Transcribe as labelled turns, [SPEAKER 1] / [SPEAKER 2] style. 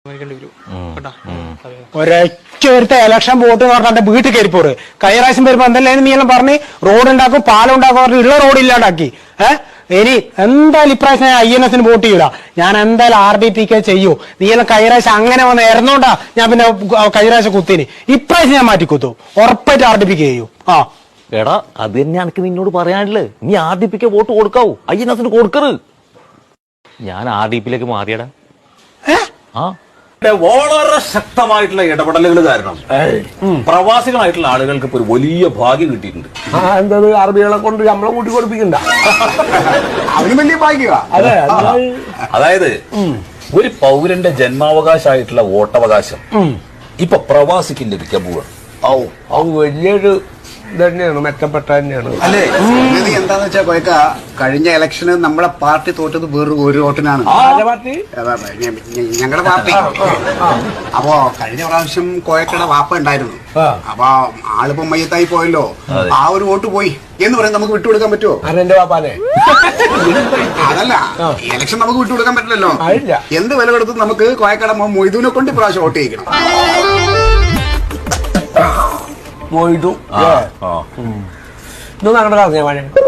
[SPEAKER 1] ഒരൊറ്റ election vote എന്ന് പറഞ്ഞാൽ വീട്ടിൽ കയറിപ്പോറ്. കഴിഞ്ഞ പ്രാവശ്യം വരുമ്പോ എന്തെല്ലാം നീ എല്ലാം പറഞ്ഞ് റോഡ് ഉണ്ടാക്കും പാലം ഉണ്ടാക്കും പറഞ്ഞ് ഉള്ള റോഡ് ഇല്ലാണ്ടാക്കി. ഇനി എന്തായാലും ഇപ്രാവശ്യം ഞാൻ INS വോട്ട് ചെയ്യൂല. ഞാൻ എന്തായാലും RDPK ചെയ്യൂ. നീ എല്ലാം കഴിഞ്ഞ പ്രാവശ്യം അങ്ങനെ വന്ന് ഇറന്നോണ്ടാ ഞാൻ പിന്നെ കഴിഞ്ഞ പ്രാവശ്യം കുത്തിന്. ഇപ്രാവശ്യം ഞാൻ മാറ്റി കുത്തു. ഉറപ്പായിട്ട് RDPK ചെയ്യൂ.
[SPEAKER 2] എടാ അത് തന്നെ എനിക്ക് നിന്നോട് പറയാനില്ലേ. നീ RDPK വോട്ട് കൊടുക്കാവൂ, INS കൊടുക്കരുത്. ഞാൻ RDPയിലേക്ക് മാറിയടാ.
[SPEAKER 3] വളരെ ശക്തമായിട്ടുള്ള ഇടപെടലുകൾ കാരണം പ്രവാസികളായിട്ടുള്ള ആളുകൾക്ക് ഇപ്പൊ ഒരു വലിയ ഭാഗ്യം കിട്ടിയിട്ടുണ്ട്.
[SPEAKER 4] എന്തത് അറബികളെ കൊണ്ട് നമ്മളെ കൂട്ടി കൊടുപ്പിക്കണ്ട, അവന് വലിയ ഭാഗ്യമാ.
[SPEAKER 3] അതായത് ഒരു പൗരന്റെ ജന്മാവകാശമായിട്ടുള്ള വോട്ടവകാശം ഇപ്പൊ പ്രവാസിക്ക് ലഭിക്കാൻ പോവുക.
[SPEAKER 4] വലിയൊരു തന്നെയാണ്, മെച്ചപ്പെട്ട തന്നെയാണ്.
[SPEAKER 5] അല്ലേ എന്താന്ന് വെച്ചാ കൊയക്ക, കഴിഞ്ഞ ഇലക്ഷന് നമ്മളെ പാർട്ടി തോറ്റത് വേറൊരു ഒരു വോട്ടിനാണ്. ഞങ്ങളുടെ പാർട്ടി. അപ്പോ കഴിഞ്ഞ പ്രാവശ്യം കോയക്കയുടെ വാപ്പ ഉണ്ടായിരുന്നു. അപ്പൊ ആളിപ്പോ മയ്യത്തായി പോയല്ലോ. ആ ഒരു വോട്ട് പോയി എന്ന് പറയാൻ നമുക്ക് വിട്ടുകൊടുക്കാൻ പറ്റുമോ?
[SPEAKER 4] എന്റെ വാപ്പാനെ
[SPEAKER 5] അതല്ല, ഇലക്ഷൻ നമുക്ക് വിട്ടുകൊടുക്കാൻ പറ്റില്ലല്ലോ. എന്ത് വില കൊടുത്തും നമുക്ക് കോയക്കട മൊയ്തുവിനെ കൊണ്ട് ഇപ്രാവശ്യം വോട്ട് ചെയ്യിക്കണം.
[SPEAKER 4] പോയിട്ടു ഇതൊന്നും അങ്ങനെ പറഞ്ഞ